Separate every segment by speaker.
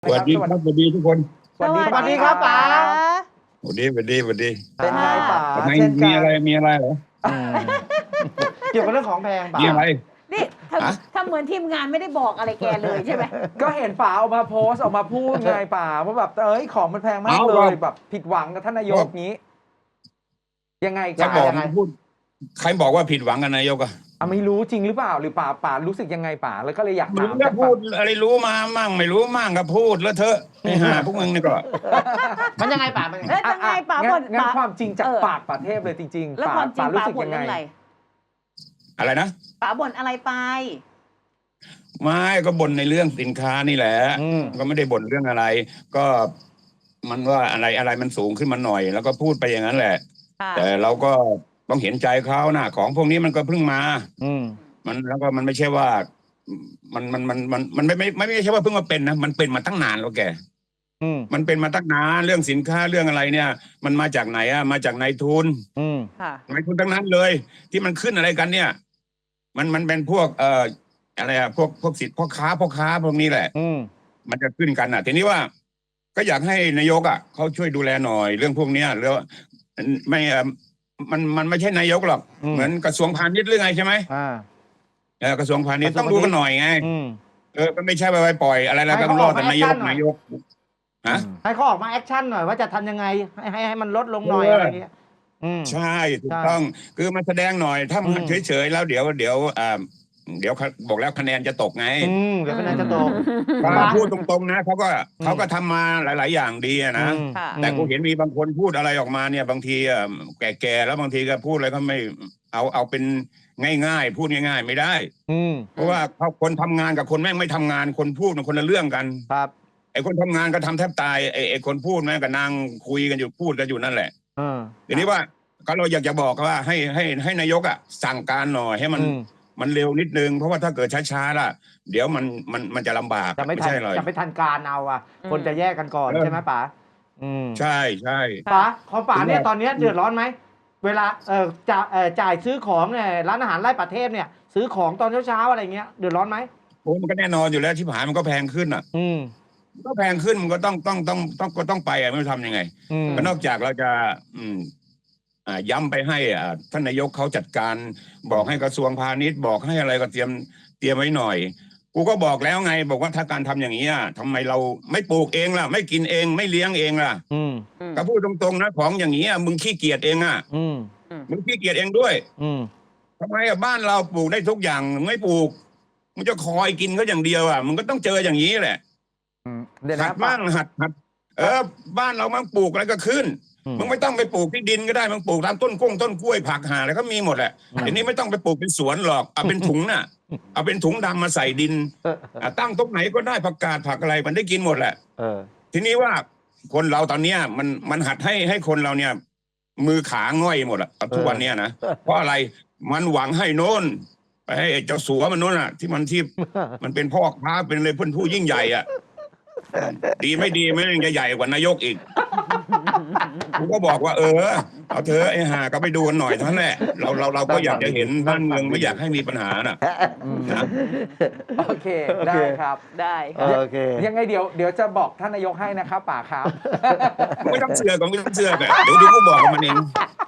Speaker 1: สวัสดีครับสวัสดีทุกคน
Speaker 2: สวัสดีครับป๋า
Speaker 1: สวัสดี
Speaker 2: เป็นไงป๋า
Speaker 1: ทำไม
Speaker 2: เช่นกั
Speaker 1: มีอะไรเหรอ
Speaker 2: เกี่ยวกับเรื่องของแพงป๋า
Speaker 1: มีอะไร
Speaker 3: นี่ถ้าเหมือนทีมงานไม่ได้บอกอะไรแกเลยใช่ไหม
Speaker 2: ก็เห็นป๋าออกมาโพสต์ออกมาพูดไงป๋าว่าแบบของมันแพงมากเลยแบบผิดหวังกับท่านนายกนี้ ยังไง
Speaker 1: ใคร
Speaker 2: ป๋า
Speaker 1: บอก
Speaker 2: ยังไง
Speaker 1: พูดใครบอกว่าผิดหวังกันนายกอะ
Speaker 2: ไม่รู้จริงหรือเปล่าหรือป๋ารู้สึกยังไงป๋าแล้วก็เลยอยาก
Speaker 1: มึ
Speaker 2: ถาง ม
Speaker 1: ก็พูดอะไรรู้มามั่งไม่รู้มั่งก็พูดแล้วเถอะไอ้ห่าพวกมึงนี่ก็
Speaker 4: มันยังไงป่ามัน
Speaker 3: แล้วยังไงป๋าบ่น
Speaker 2: งั้น
Speaker 3: ป๋า
Speaker 2: ความจริงจากปากป๋าเทพเลยจริงๆ
Speaker 3: แล้วความจริง
Speaker 2: รู้
Speaker 3: ป๋า
Speaker 2: สึก
Speaker 3: บ่น
Speaker 2: ยัง
Speaker 3: เรื่อง
Speaker 2: ไง
Speaker 3: อะไร
Speaker 1: อะไรนะ
Speaker 3: ป๋าบ่นอะไรไป
Speaker 1: ไม่ก็บ่นในเรื่องสินค้านี่แหละ
Speaker 2: อืม
Speaker 1: ก็ไม่ได้บ่นเรื่องอะไร ก็มันว่าอะไรมันสูงขึ้นมาหน่อย แล้วก็พูดไปอย่างนั้นแหละ
Speaker 3: ค่ะ
Speaker 1: แต่เราก็ต้องเห็นใจเขานะของพวกนี้มันก็เพิ่งมา
Speaker 2: อืม
Speaker 1: มันแล้วก็มันไม่ใช่ว่า มันไม่ใช่ว่าเพิ่งมาเป็นนะมันเป็นมาตั้งนานแล้วแก
Speaker 2: อืม
Speaker 1: มันเป็นมาตั้งนานเรื่องสินค้าเรื่องอะไรเนี่ย มันมาจากไหนอะมาจากนายทุน
Speaker 2: อืม
Speaker 3: ค่ะ
Speaker 1: นายทุนทั้งนั้นเลย ที่มันขึ้นอะไรกันเนี่ย มันเป็นพวกอะไรอะพวกสิทธิ์พ่อค้าพวกนี้แหละ
Speaker 2: อืม
Speaker 1: มันจะขึ้นกันทีนี้ว่า ก็อยากให้นายกอ่ะเขาช่วยดูแลหน่อยเรื่องพวกเนี้ยแล้วไม่มันไม่ใช่นายกหรอก
Speaker 2: อืม
Speaker 1: เหมือนกระทรวงพาณิชย์หรือไงใช่ไหม กระทรวงพาณิชย์ต้องดูกันหน่อยไง
Speaker 2: อืม
Speaker 1: ก็ไม่ใช่ไปปล่อยอะไรแล้ว
Speaker 4: ให้
Speaker 1: ต้อง
Speaker 4: เขา
Speaker 1: ร
Speaker 4: อ
Speaker 1: อ
Speaker 4: อก
Speaker 1: แต่
Speaker 4: มา
Speaker 1: นายก
Speaker 4: แอคชั่นหน่อย
Speaker 1: นายกฮะ
Speaker 4: ให้เขาออกมาแอคชั่นหน่อยว่าจะทำยังไงให้มันลดลงหน่อย
Speaker 1: เอออ
Speaker 4: อะไรเงี้ย
Speaker 2: อืม
Speaker 1: ใช่ถูกต้องคือมาแสดงหน่อยถ้ามัน
Speaker 2: อืม
Speaker 1: เฉยๆแล้วเดี๋ยวบอกแล้วคะแนนจะตกไง
Speaker 4: เดี๋ยวคะแนนจะตก
Speaker 1: พูดตรงๆนะเขาก็ทำมาหลาย ๆ อย่างดีอะนะ
Speaker 2: อืม
Speaker 3: ค่ะ
Speaker 1: แต่กูเห็นมีบางคนพูดอะไรออกมาเนี่ยบางทีแก่ๆแล้วบางทีก็พูดอะไรก็ไม่เอาเป็นง่ายๆ พูดง่าย ๆ ไม่ได้
Speaker 2: อืม
Speaker 1: เพราะว่าคนทำงานกับคนแม่งไม่ทำงานคนพูดมันคนละเรื่องกัน
Speaker 2: ครับ
Speaker 1: ไอ้คนทำงานก็ทำแทบตายไอ้คนพูดแม่งก็นั่งคุยกันอยู่พูดกันอยู่นั่นแหละ ทีนี้ว่าก็เราอยากจะบอกว่าให้นายกสั่งการหน่อยให้มันเร็วนิดนึงเพราะว่าถ้าเกิดช้าๆล่ะ เดี๋ยวมันจะลำบาก
Speaker 4: จะไม่ทัน
Speaker 1: ใช่เลย
Speaker 4: จะไม่ทันการเอาอ่ะ คนจะแยกกันก่อนใช่ไหมป๋า
Speaker 1: ใช่
Speaker 4: ป๋าของป๋าเนี่ยตอนนี้เดือดร้อนไหมเวลาจ่ายซื้อของเนี่ยร้านอาหารไร่ป่าเทพเนี่ย ซื้อของตอนเช้าๆอะไรเงี้ยเดือดร้อนไหม
Speaker 1: โอ้มันก็แน่นอนอยู่แล้วที่ผ่านมันก็แพงขึ้นก็แพงขึ้นมันก็ต้องไปไม่รู้ทำยังไงก็นอกจากเราจะย้ำไปให้ท่านนายกเขาจัดการบอกให้กระทรวงพาณิชย์บอกให้อะไรก็เตรียมไว้หน่อยกูก็บอกแล้วไงบอกว่าถ้าการทำอย่างนี้ทำไมเราไม่ปลูกเองล่ะไม่กินเองไม่เลี้ยงเองล่ะก็พูดตรงๆนะของอย่างนี้มึงขี้เกียจเองมึงขี้เกียจเองด้วยทำไมบ้านเราปลูกได้ทุกอย่างมึงไม่ปลูกมึงจะคอยกินเขาอย่างเดียวมึงก็ต้องเจออย่างนี้แหละ
Speaker 2: เดี๋ยว
Speaker 1: หั
Speaker 2: นะ
Speaker 1: ดบ้างหัดบ้านเรามันปลูกอะไรก็ขึ้นมึงไม่ต้องไปปลูกที่ดินก็ได้มึงปลูกตามต้นกล้วยผักหาอะไรก็มีหมดแหละทีนี้ไม่ต้องไปปลูกเป็นสวนหรอกเอาเป็นถุงน่ะเอาเป็นถุงดำมาใส่ดินตั้งตรงไหนก็ได้ผักกาดผักอะไรมันได้กินหมดแหละทีนี้ว่าคนเราตอนเนี้ยมันหัดให้คนเราเนี่ย มือขาง่อยหมดอะทุกวันเนี้ยนะเพราะอะไรมันหวังให้โน้นไปให้เจ้าสัวมันโน้นที่มันเป็นพ่อค้าเป็นเลยผู้ยิ่งใหญ่ดีไม่ดีไม่ยังจะใหญ่กว่านายกอีกกูก็บอกว่าเอาเธอไอ้ห่าก็ไปดูกันหน่อยเท่านั้นแหละเราก็อยากจะเห็นบ้านเมืองไม่อยากให้มีปัญหานะ
Speaker 2: โอเคได้ครับ
Speaker 3: ได้ค่ะ
Speaker 4: โอเค
Speaker 2: ยังไงเดี๋ยวจะบอกท่านนายกให้นะครับป๋าครับ
Speaker 1: ไม่ต้องเสือกก็ไม่ต้องเสือกเดี๋ยวกูบอกกับมันเอง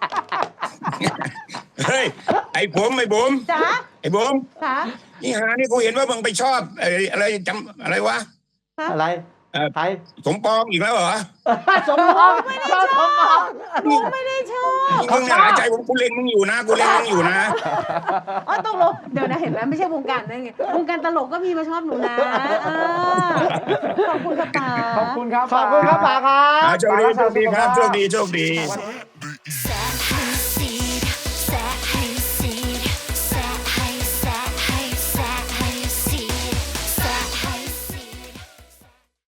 Speaker 1: เฮ้ยไอ้ผม
Speaker 3: จ๋า
Speaker 1: ไอ้ผม
Speaker 3: ค่ะ
Speaker 1: นี่หานี่กูเห็นว่ามึงไปชอบอะไรจำอะไรวะ
Speaker 4: อะไรใคร
Speaker 1: สมปองอีกแล้วเหรอ
Speaker 4: สมพงษ์ชอบสมพงษ์
Speaker 3: หนูไม่ได้ชอบ
Speaker 1: มึงเนี่ยหายใจผมกูเล็งมึงอยู่นะ
Speaker 3: อ๋อตกลงเดี๋ยวนะเห็นไหมไม่ใช่วงการนั่นไงวงการตลกก็มีมาชอบหนูนะขอบคุณค่ะป๋า
Speaker 2: ขอบคุณครับ
Speaker 4: ขอบคุณครับป๋าครับ
Speaker 1: โชคดีครับโชคดี